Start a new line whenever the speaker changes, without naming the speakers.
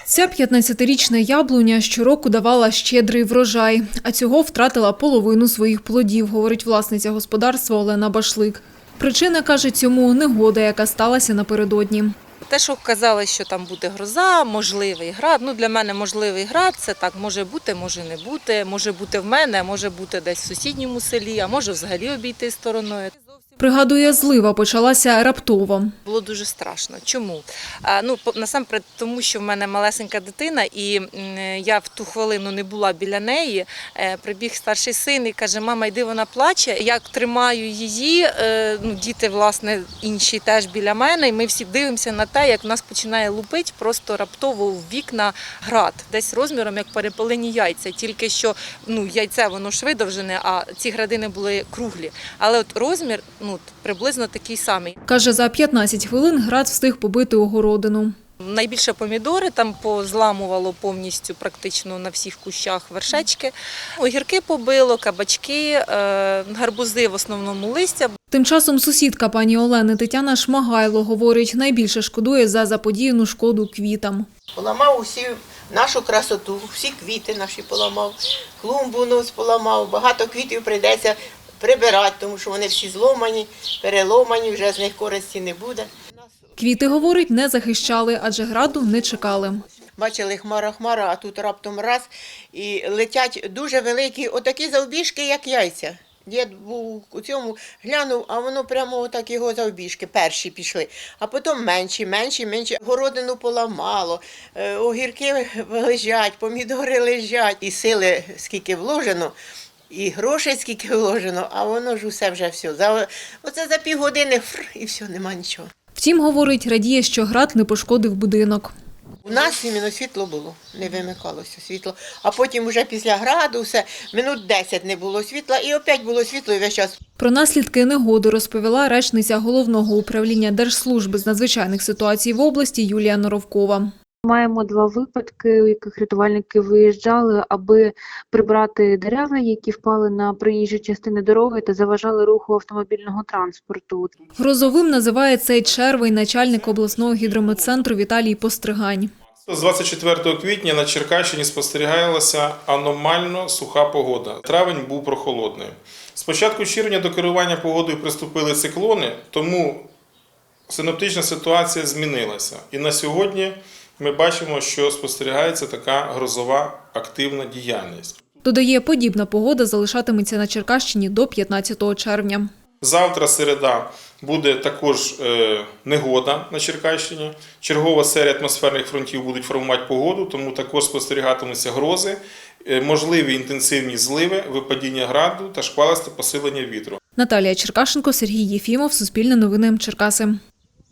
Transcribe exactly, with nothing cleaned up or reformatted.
Ця п'ятнадцятирічна яблуня щороку давала щедрий врожай, а цього втратила половину своїх плодів, говорить власниця господарства Олена Башлик. Причина, каже, цьому негода, яка сталася напередодні.
Те, що казали, що там буде гроза, можливий град. Ну, для мене можливий град – це так, може бути, може не бути. Може бути в мене, може бути десь в сусідньому селі, а може взагалі обійти стороною.
Пригадує, злива почалася раптово.
Було дуже страшно. Чому? А, ну, насамперед, тому що в мене малесенька дитина, і я в ту хвилину не була біля неї. Прибіг старший син і каже: мама, йди, вона плаче. Як тримаю її, ну, діти, власне, інші теж біля мене, і ми всі дивимося на те, як в нас починає лупити просто раптово в вікна град, десь розміром, як перепелені яйця. Тільки що, ну, яйце, воно ж видовжене, а ці градини були круглі. Але от розмір, ну, приблизно такий самий.
Каже, за п'ятнадцять хвилин град встиг побити огородину.
Найбільше помідори, там позламувало повністю практично на всіх кущах вершечки. Огірки побило, кабачки, гарбузи в основному листя.
Тим часом сусідка пані Олени Тетяна Шмагайло говорить, найбільше шкодує за заподіяну шкоду квітам.
Поламав усі нашу красоту, всі квіти наші поламав, клумбу нос поламав, багато квітів прийдеться прибирати, тому що вони всі зломані, переломані, вже з них користі не буде.
Квіти, говорить, не захищали, адже граду не чекали.
Бачили хмара-хмара, а тут раптом раз і летять дуже великі, отакі завбіжки, як яйця. Дід був у цьому, глянув, а воно прямо отак його завбіжки, перші пішли. А потім менші, менші, менші. Городину поламало, огірки лежать, помідори лежать. І сили скільки вложено, і грошей скільки вложено, а воно ж усе вже все. За, оце за півгодини фр, і все, нема нічого.
Втім, говорить, радіє, що град не пошкодив будинок.
У нас іменно світло було, не вимикалося світло. А потім вже після граду все, минут десять не було світла і опять було світло і весь час.
Про наслідки негоди розповіла речниця Головного управління Держслужби з надзвичайних ситуацій в області Юлія Норовкова.
Маємо два випадки, у яких рятувальники виїжджали, аби прибрати дерева, які впали на проїжджі частини дороги та заважали руху автомобільного транспорту.
Грозовим називає цей червень начальник обласного гідрометцентру Віталій Постригань.
З двадцять четвертого квітня на Черкащині спостерігалася аномально суха погода. Травень був прохолодний. З початку червня до керування погодою приступили циклони, тому синоптична ситуація змінилася. І на сьогодні ми бачимо, що спостерігається така грозова активна діяльність.
Додає, подібна погода залишатиметься на Черкащині до п'ятнадцятого червня.
Завтра, середа, буде також е, негода на Черкащині. Чергова серія атмосферних фронтів будуть формувати погоду, тому також спостерігатимуться грози, е, можливі інтенсивні зливи, випадіння граду та шквалисте посилення вітру.
Наталія Черкашенко, Сергій Єфімов, Суспільне новини, Черкаси.